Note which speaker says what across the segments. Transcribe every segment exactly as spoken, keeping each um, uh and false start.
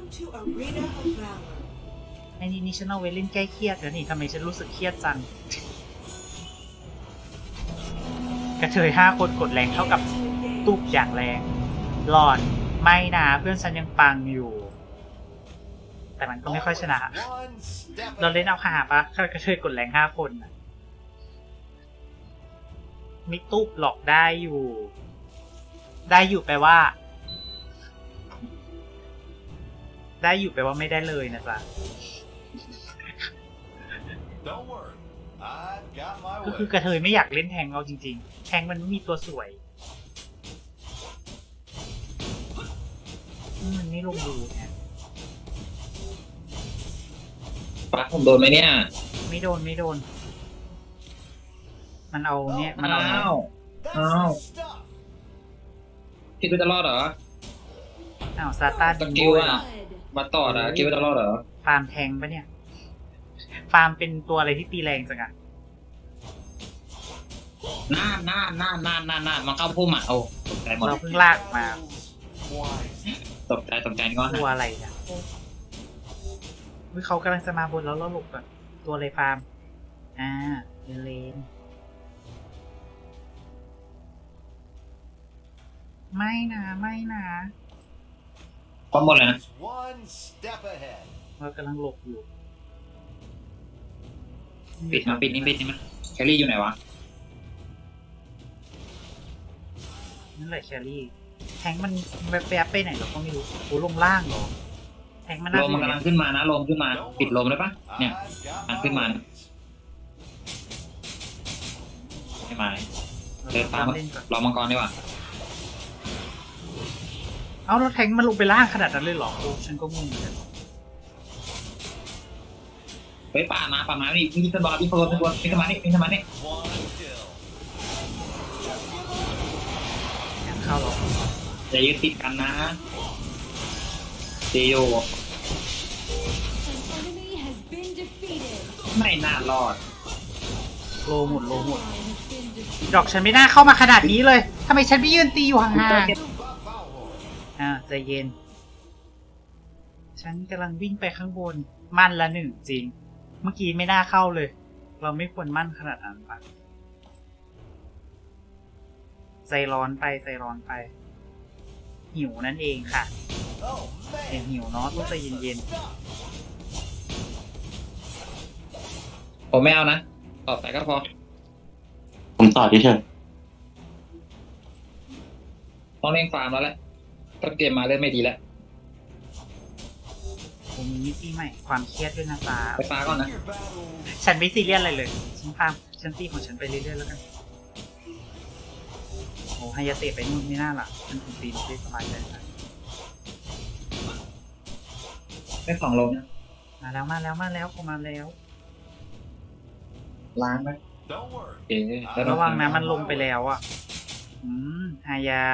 Speaker 1: to Arena of Valor.
Speaker 2: ไอ้นี่นี่ฉันเอาไว้เล่นแก้เครียดแล้วนี่ทำไมฉันรู้สึกเครียดจัง กระเทยห้าคนกดแรงเท่ากับตุกอย่างแรงหลอนไม่นะเพื่อนฉันยังปังอยู่ แต่มันก็ไม่ค่อยชนะ เราเล่นเอาหาปะกระเทยกดแรงห้าคนน่ะมิตุกหลอกได้อยู่ ได้อยู่แปลว่า ได้อยู่แปลว่าไม่ได้เลยนะจ๊ะ ก็คือกระเทยไม่อยากเล่นแทงเราจริงๆแทงมันไม่มีตัวสวยมันไม่ลงดูไง
Speaker 3: ปักผมโดนไหมเนี่ย
Speaker 2: ไม่โดนไม่โดน มันเอาเนี่ยมันเอา
Speaker 3: อ้าวอ้าวคิดว่าจะรอดเหรอ
Speaker 2: อ้าวซาต้า
Speaker 3: ส
Speaker 2: ดิง
Speaker 3: กิ
Speaker 2: โบ
Speaker 3: ล
Speaker 2: ย
Speaker 3: อะ
Speaker 2: เหรอ
Speaker 3: มาต่อนะคิดว่าจะรอดเหรอ
Speaker 2: ฟาร์มแทงปะเนี่ย ฟาร์มเป็นตัวอะไรที่ตีแรงจังอะ
Speaker 3: น่านน่านน่านน่านน่านน่านมาเข้าพุ่มอ่ะโอ้ตกใจหมด
Speaker 2: เราเพิ่งลากมา
Speaker 3: ตกใจตกใจนี่ก็
Speaker 2: ตัวอะไรเนี่ยวิเขากำลังจะมาบนแล้วเราหลบก่อนตัวอะไรฟาร์ม อ่าเลนไม่นะไม่นะ
Speaker 3: พร้อมหมดเลยนะ
Speaker 2: เรากำลังหลบอยู่
Speaker 3: ปิดมาปิดนี่ปิดนี่มาแคลรี่อยู่ไหนวะ
Speaker 2: นั่นแหละแครี่แทงมันแวบๆไปไหนเราก็ไม่รู้โอ้ลงล่างเหรอแทงมัน
Speaker 3: ลมมันกำลังขึ้นมานะลมขึ้นมาปิดลมได้ปะเนี่ยมันขึ้นมาไม่มาเดินตาม
Speaker 2: เล่นก่อน
Speaker 3: รอมังกรดีกว่า
Speaker 2: เอาแล้วแทงมันลงไปล่างขนาดนั้นเลยเหรอโอ้ฉันก็งงเหมือนกัน
Speaker 3: ไปป่ามาป่ามานี่มีสบอลมีโฟนมีโฟนมีสมานี่มีสมานี่
Speaker 2: ยังเข้าหรอ
Speaker 3: อย่ายึดติดกันนะเจโย
Speaker 4: An enemy has been defeated.
Speaker 3: ไม่น่ารอด
Speaker 2: โลหมดโลหมด
Speaker 4: Ally has been defeated.
Speaker 2: ดอกฉันไม่น่าเข้ามาขนาดนี้เลยทำไมฉันไม่ยืนตีอยู่ห่างๆอ่าใจเย็น ฉันกำลังวิ่งไปข้างบนมั่นละหนึ่งจริง เมื่อกี้ไม่น่าเข้าเลย เราไม่ควรมั่นขนาดนั้นปะใจร้อนไปใจร้อนไป หิวนั่นเองค่ะเห็นหิวเนาะต้องใจเย็น
Speaker 3: ผมไม่เอานะต่อไปก็พอ
Speaker 5: ผมต่อเฉย
Speaker 3: ต้องเล่นฟาร์มแล้วแหละต้นเกมมาเริ่มไม่ดีแล้ว
Speaker 2: ๆผมมีมิติใหม่ความเครียดด้วยนะจ๊ะ
Speaker 3: ไปฟ้าก่อนนะ
Speaker 2: ฉันไม่ซีเรียสอะไรเลย ฉันพามฉันตีของฉันไปเรื่อยๆแล้วกัน โอ้ไฮยาเตะไปนู่นไม่น่าล่ะฉันคงตีได้สบายใจนะ
Speaker 3: ได้ของลงนะ
Speaker 2: มาแล้วมาแล้วมาแล้วผมมาแล้ว
Speaker 3: ล้างไหมเอ๊ะแล้ว
Speaker 2: ระวังนะมันลงไปแล้วอ่ะ อืมฮายา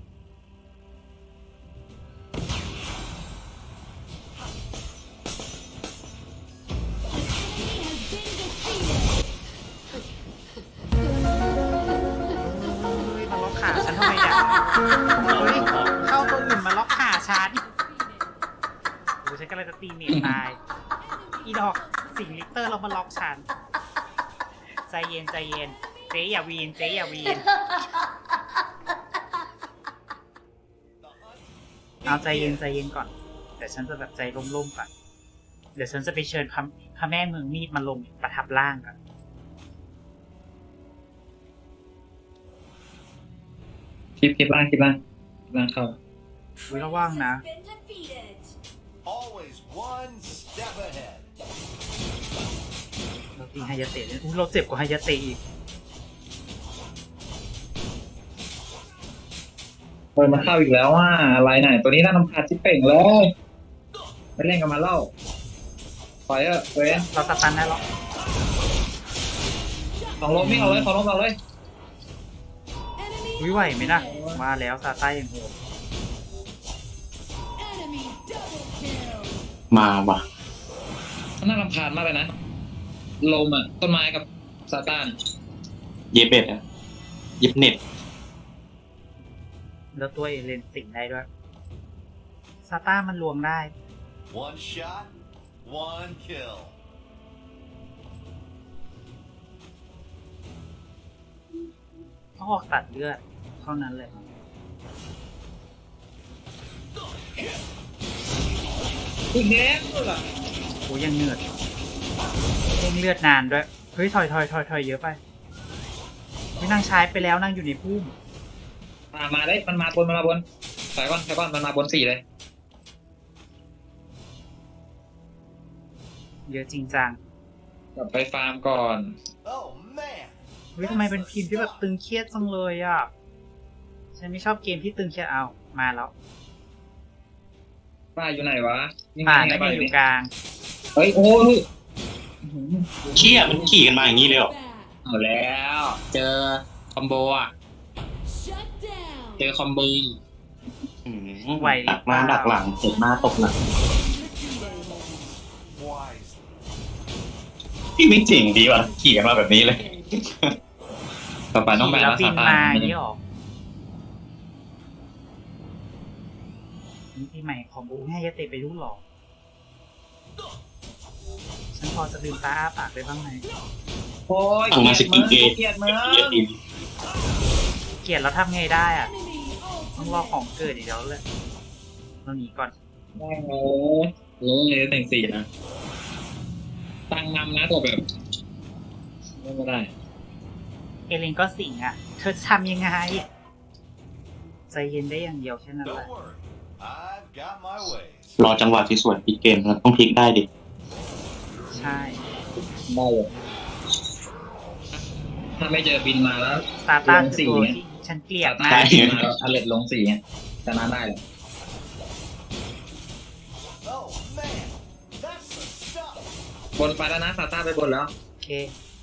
Speaker 2: มาล็อกขาฉันทำไมเนี่ยเฮ้ยเข้าตัวอื่นมาล็อกขาฉันโอ้ฉันกำลังจะตีเมทตาย อีดอกสิงลิกเตอร์เรามาล็อกฉัน ใจเย็นใจเย็น เจ๊อย่าวีน เจ๊อย่าวีน เอาใจเย็นใจเย็นก่อน แต่ฉันจะแบบใจร่มๆก่อน เดี๋ยวฉันจะไปเชิญพระพระแม่เมืองมีดมาลงประทับร่างกัน
Speaker 3: คลิปคลิปล่างคลิปล่างคลิปล่างเข้า
Speaker 2: อุ๊ยระวังนะ
Speaker 4: Been defeated.
Speaker 6: Always one step ahead.
Speaker 2: เราตีไฮยาเตะเนี่ยอุ๊ยเราเจ็บกว่าไฮยาเตะอีก
Speaker 3: เปิดมาเข้าอีกแล้วว่าอะไรไหนตัวนี้น่ารำคาญชิบเป่งเลยไม่เล่นกันมาเล่าปล่อยเออเว้ย
Speaker 2: เราสตันได้หรอ
Speaker 3: ของลมไม่เอาเลยของลมเอาเลย
Speaker 4: Enemy
Speaker 2: วิไหวไหมนะมาแล้วซาต้าอย่างโหด
Speaker 4: enemy double kill.
Speaker 5: ๆมาว่ะ
Speaker 3: น่ารำคาญมากเลยนะลมอ่ะต้นไม้กับซาตาน
Speaker 5: เย็บเบ็ดอะเย็บเน็ต
Speaker 2: แล้วตัวเอเลนสิงได้ด้วยซาต้ามันรวมได้
Speaker 6: One shot, one kill.
Speaker 2: เขาออกตัดเลือดเท่านั้นเลย
Speaker 3: อีกแล้วเหรอ
Speaker 2: โอ้ยังเหนื่อยเร่งเลือดนานด้วย เฮ้ยถอยถอยถอยถอยเยอะไปไม่นั่งใช้ไปแล้วนั่งอยู่ในพุ่ม
Speaker 3: มามาได้มันมาบนมันมาบนใส่ก้อนใส่ก้อนมันมาบนสี่เลย
Speaker 2: เยอะจริงจัง
Speaker 3: กลับไปฟาร์มก่อน
Speaker 6: Oh man.
Speaker 2: เฮ้ยทำไมเป็นทีมที่แบบตึงเครียดจังเลยอ่ะ ฉันไม่ชอบเกมที่ตึงเครียดเอามาแล้ว
Speaker 3: ป้าอยู่ไหนวะนี่ไง
Speaker 2: ป่า
Speaker 3: ไง
Speaker 2: ไม่
Speaker 3: ป้า
Speaker 2: ได้
Speaker 3: อยู่
Speaker 2: อยู่
Speaker 3: นี่
Speaker 2: กลาง
Speaker 3: เฮ้ยโอ้ย
Speaker 5: เชี่ยมันขี่กันมาอย่างนี้เลยเหรอ
Speaker 4: Back.
Speaker 3: เอาแล้ว เจอคอมโบอ่ะ
Speaker 4: Shut down.
Speaker 3: เจอคอมโบ
Speaker 5: อืมดักมาดักหลังเสร็จมาตกหลัง
Speaker 6: Wisely.
Speaker 5: พี่ไม่จริงดีว่ะขี่กันมาแบบนี้เลย ต่อไปน้องแบน
Speaker 2: แล้ว
Speaker 5: แล้ว
Speaker 2: บิ
Speaker 5: ซาน ตา
Speaker 2: มาอ
Speaker 5: ไม่
Speaker 2: ย่าง
Speaker 5: ได้
Speaker 2: นี้หรอนี่ปีใหม่ของบูให้ยาเตะไปรู้หรอ ฉันพอจะลืมตาอ้าปากได้บ้างไหม
Speaker 3: โอ้ย
Speaker 5: สั่งมาสกิลเกต
Speaker 3: เกลียดมึง
Speaker 5: เกลียดอีก
Speaker 2: เกลียดแล้วทำไงได้อ่ะ
Speaker 4: Enemy
Speaker 2: ต้องรอ
Speaker 4: ultimate.
Speaker 2: ของเกิดอีกแล้วเลยเราหนีก่อน
Speaker 3: ได้โอ้โหเลยแต่งสี่นะ ตั้งนำนะตัวแบบไม่ได้
Speaker 2: เอเลนก็สิงอ่ะ เธอจะทำยังไง ใจเย็นได้อย่างเดียวแค่นั้นแหละ
Speaker 6: Don't worry. I've got my ways.
Speaker 5: รอจังหวะที่สวยปิดเกมมันต้องพลิกได้ดิ
Speaker 2: ใช่
Speaker 3: ได้เลยถ้าไม่เจอบินมาแล้ว
Speaker 2: ซาต้า
Speaker 3: ลง
Speaker 2: คือ
Speaker 3: สี่
Speaker 2: ตัว
Speaker 3: ไง
Speaker 2: ที่ฉันเกลียด
Speaker 3: ถ้าม
Speaker 2: าก
Speaker 3: บินมาแล้วอเลตลงสี่ไงชนะได้เลย
Speaker 6: Oh man. That's the stuff.
Speaker 3: บนไปแล้วนะซาต้าไปบนแล้ว
Speaker 2: โอเค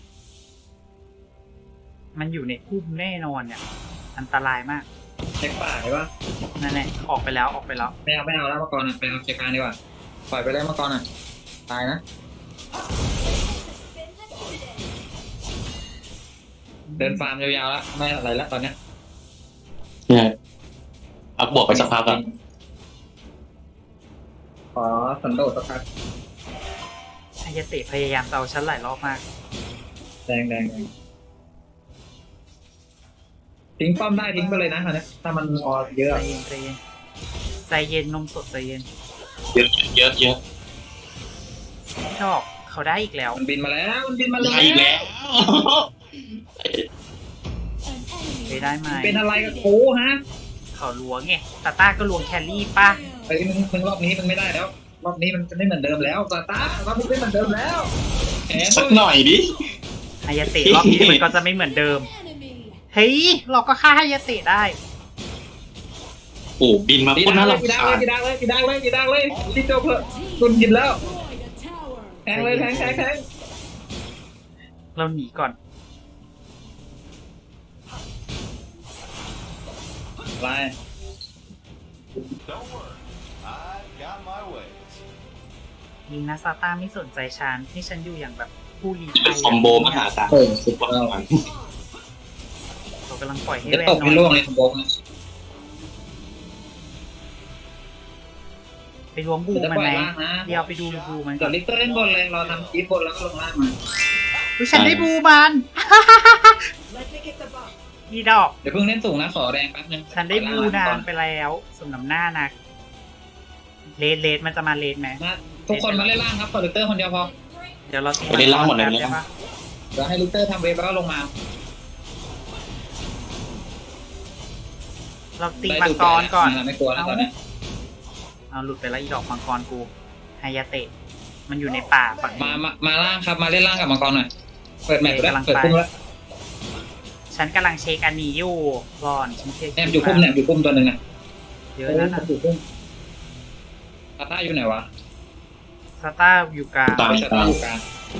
Speaker 2: มันอยู่ในพุ่มแน่นอนเนี่ย อันตรายมาก
Speaker 3: เช็คป่าใช่ปะ
Speaker 2: นั่นแหละ ออกไปแล้ว ออกไปแล้ว
Speaker 3: ไม่เอาไม่เอาแล้วมังกรอ่ะไปเอาเช็คการดีกว่าปล่อยไปเลยมังกรอ่ะตายนะ เดินฟาร์มยาวๆแล้วไม่อะไรแล้วตอนเนี้ย
Speaker 5: เนี่ยเอาบวกไปสักพักอ่ะ
Speaker 3: ขอสันโดษสักพัก
Speaker 2: อายาเตะพยายามจะเอาฉันหลายรอบมาก
Speaker 3: แดงแดงแดงทิ้งป้อมได้ทิ้งไปเลยนะตอนเนี้ยถ้ามันออเยอะ
Speaker 2: ใจเย็นใจเย็นใจเย็นนมสดใจเย็น
Speaker 5: เยอะเยอะเยอะ
Speaker 2: ชอบเขาได้อีกแล้ว
Speaker 3: มันบินมาแล้วมันบินมาเลย
Speaker 5: ได้อีกแล้ว
Speaker 2: ไปได้ไหม
Speaker 3: เป็นอะไรกับกูฮะ
Speaker 2: เขาล้วงไงตาต้าก็ล้วงแครี่ป่ะ
Speaker 3: ไอ้ยมึงมึงรอบนี้มันไม่ได้แล้ว รอบนี้มันจะไม่เหมือนเดิมแล้วตาตารอบนี้ไม่เหมือนเดิมแล้วแหม
Speaker 5: สักหน่อยดิ
Speaker 2: อายาเตะรอบนี้มันก็จะไม่เหมือนเดิม
Speaker 4: Enemy.
Speaker 2: เฮ้ย เราก็ฆ่าอายาเตะได้
Speaker 5: โอ้บินมา
Speaker 3: ปี
Speaker 5: พุ่น
Speaker 3: ดั
Speaker 5: น่าง
Speaker 3: เลย
Speaker 5: รำ
Speaker 3: ปีดัง
Speaker 5: คา
Speaker 3: เลย
Speaker 5: ญ
Speaker 3: ปีดังเลยปีดังเลยปีดังเลยที่โจเพอ
Speaker 4: Team
Speaker 3: คุณกินแล้ว
Speaker 4: destroyed a tower.
Speaker 3: แทงเลยแทงแทงแทง
Speaker 2: เราหนีก่อน
Speaker 3: ไป
Speaker 6: Don't worry. I've got my ways.
Speaker 2: ยิงนะซาต้าไม่สนใจฉันที่ฉันอยู่อย่างแบบผู้ลี้
Speaker 5: เป็นคอมโบมหาศาล
Speaker 3: เออสุดยอด
Speaker 2: เรากำลังปล่อยให้
Speaker 3: เดี๋ยว
Speaker 2: แวน
Speaker 3: ตก
Speaker 2: น
Speaker 3: ใน
Speaker 2: อน
Speaker 3: โลกในคอมโบนะ
Speaker 2: ไปล้วงบู
Speaker 3: เดี๋ยวจะ
Speaker 2: มัน
Speaker 3: ปล่อ
Speaker 2: ไห
Speaker 3: ย
Speaker 2: ม
Speaker 3: ล่างนะ
Speaker 2: เดี๋ยวไปดูบูมัน
Speaker 3: เดี๋ยวลิกเตอร์เล่นบนเลยเราทำคีบบนแล้วก็ลงล่างมา
Speaker 2: อุ๊ยฉันได้บูมัน นี่ดอก
Speaker 3: เดี๋ยวเพิ่งเล่นสูงนะขอแดงแป๊บนึง
Speaker 2: ฉันได้บูนานไปแล้วสมน้ำหน้านักเลดเลดมันจะมาเลดไหม
Speaker 3: มาทุกคนมาเล่นล่างครับขอลิกเตอร์คนเดียวพอ
Speaker 2: เดี๋ยวเราตี
Speaker 5: ไปเล่นล่างหมดเลย
Speaker 2: แป๊บ
Speaker 5: เนี่ย
Speaker 2: ได้ปะ
Speaker 3: เดี๋ยวให้ลิกเตอร์ทำเวฟแล้วก็ลงมา
Speaker 2: เราตีมังกรก่อน
Speaker 3: ไม่กลัวแล้วตอนนี้
Speaker 2: เอาหลุดไปแล้วอีดอกมังกรกูไฮยาเตะ มันอยู่ในป่าฝั่งนี้
Speaker 3: มามามาล่างครับมาเล่นล่างกับมังกรหน่อยเปิดแมปแล้ว
Speaker 2: กำลัง
Speaker 3: เปิด
Speaker 2: ไป
Speaker 3: พุ่มแล้ว
Speaker 2: ฉันกำลังเช็คอันนี้อยู่ก่อนฉันเช็ค
Speaker 3: แนมอยู่พุ่มเนี่ยอยู่พุ่มตัวหนึ่งนะ
Speaker 2: เยอะแล้วนะ
Speaker 3: อยู่พุ่มตาต้าอยู่ไหนวะ
Speaker 2: ซาต้าอยู่กลาง
Speaker 5: ตาม
Speaker 3: ตาต้าอยู่กลาง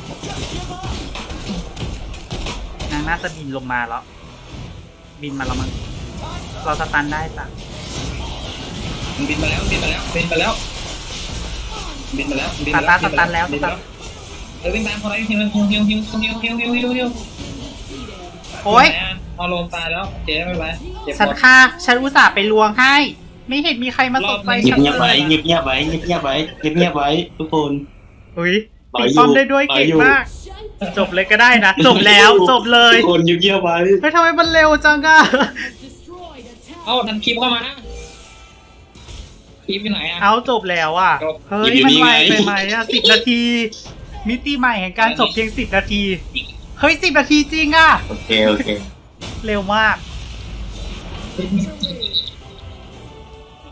Speaker 2: นางน่าจะบินลงมาแล้ว บินมาแล้วมั้งเราสตันได้จ้ะ
Speaker 3: มันบินมาแล้วบินมาแล้วบินมาแล้วบินมาแล้วบิน
Speaker 2: ซา
Speaker 3: มา
Speaker 2: ต้า
Speaker 3: แล้ว
Speaker 2: สตันแล้วส
Speaker 3: บิน
Speaker 2: ตั
Speaker 3: มาน เออวิ่งตามคนไหนฮิวฮิวฮิวฮิวฮิวฮิวฮิวฮิวฮิวฮิว
Speaker 2: โอ๊ย
Speaker 3: เอาลมตายแล้วเจ๊ไม่เป็นไรเจ็บ
Speaker 2: ฉัน
Speaker 3: ปวด
Speaker 2: ฆ่าฉันอุตส่าห์ไปลวงให้ไม่เห็นมีใครมาสนใจ
Speaker 5: เงีย
Speaker 2: ฉั
Speaker 5: บ
Speaker 2: น
Speaker 5: เงียบ
Speaker 2: เล
Speaker 5: ไว้
Speaker 2: ย
Speaker 5: เงียบเงียบไว้เงียบเงียบไว้เงียบเงียบไว้ทุกคน
Speaker 2: อุ้ย
Speaker 5: ต่อ
Speaker 2: ตี
Speaker 5: อยู่
Speaker 2: ป้อมได้ด้วย
Speaker 5: ต่อ
Speaker 2: เก่ง
Speaker 5: อยู่
Speaker 2: มาก
Speaker 4: Shut
Speaker 2: จบเลยก็ได้นะ จบแล้วจบเลย
Speaker 5: ทุกคนเงียบเงียบไว้
Speaker 2: เฮ้ยทำไมมันเร็วจังอะ
Speaker 4: destroyed a
Speaker 3: เอ้า
Speaker 4: tower.
Speaker 3: ดันคลิปเข้ามาคลิปอยู่ไหนอ่ะ
Speaker 2: เอาจบแล้วอ่ะ
Speaker 3: จบ
Speaker 2: เฮ้ยมันไวไปไหมอ่ะสิบนาที มิติใหม่แห่งการจบเพียงสิบนาที เฮ้ยสิบนาทีจริงอ่ะ
Speaker 5: โอเคโอเค
Speaker 2: เร็วมาก
Speaker 3: คลิป